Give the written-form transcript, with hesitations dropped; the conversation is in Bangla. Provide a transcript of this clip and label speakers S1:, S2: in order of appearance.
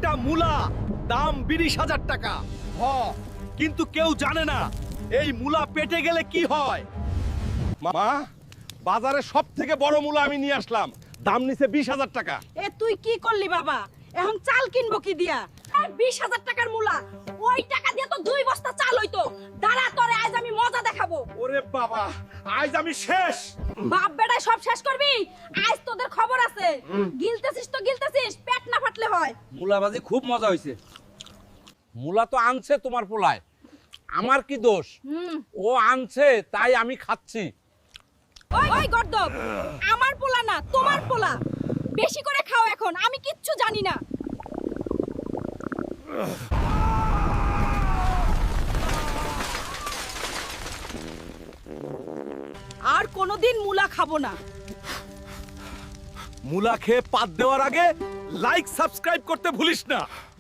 S1: একটা মূলা দাম 20,000 টাকা। কিন্তু কেউ জানে না এই মূলা পেটে গেলে কি হয়। মামা, বাজারে সব থেকে বড় মূলা আমি নিয়ে আসলাম, দাম নিছে 20,000 টাকা।
S2: এ তুই কি করলি বাবা? এখন চাল কিনবো কি দিয়া? আর 20,000 টাকার মূলা, ওই টাকা দিয়ে তো 2 বস্তা চাল হইতো। দাঁড়া, তোরে আজ আমি মজা দেখাবো।
S1: ওরে বাবা, আজ আমি শেষ।
S2: বাপ বেটায় সব শেষ করবি? আজ তোদের খবর আছে। গিলতেছিস তো গিলতেছিস, পেট না ফাটলে হয়।
S3: মুলাবাজি খুব মজা হয়েছে। মুলা তো আনছে তোমার পোলায়, আমার কি দোষ? ও আনছে তাই আমি খাচ্ছি।
S2: ওই ওই গর্দব, আমার পোলা না তোমার পোলা। বেশি করে খাও এখন, আমি কিচ্ছু জানি না। আর কোনোদিন মুলা খাবো না।
S1: মূলা খেয়ে পাত দেওয়ার আগে লাইক সাবস্ক্রাইব করতে ভুলিস না।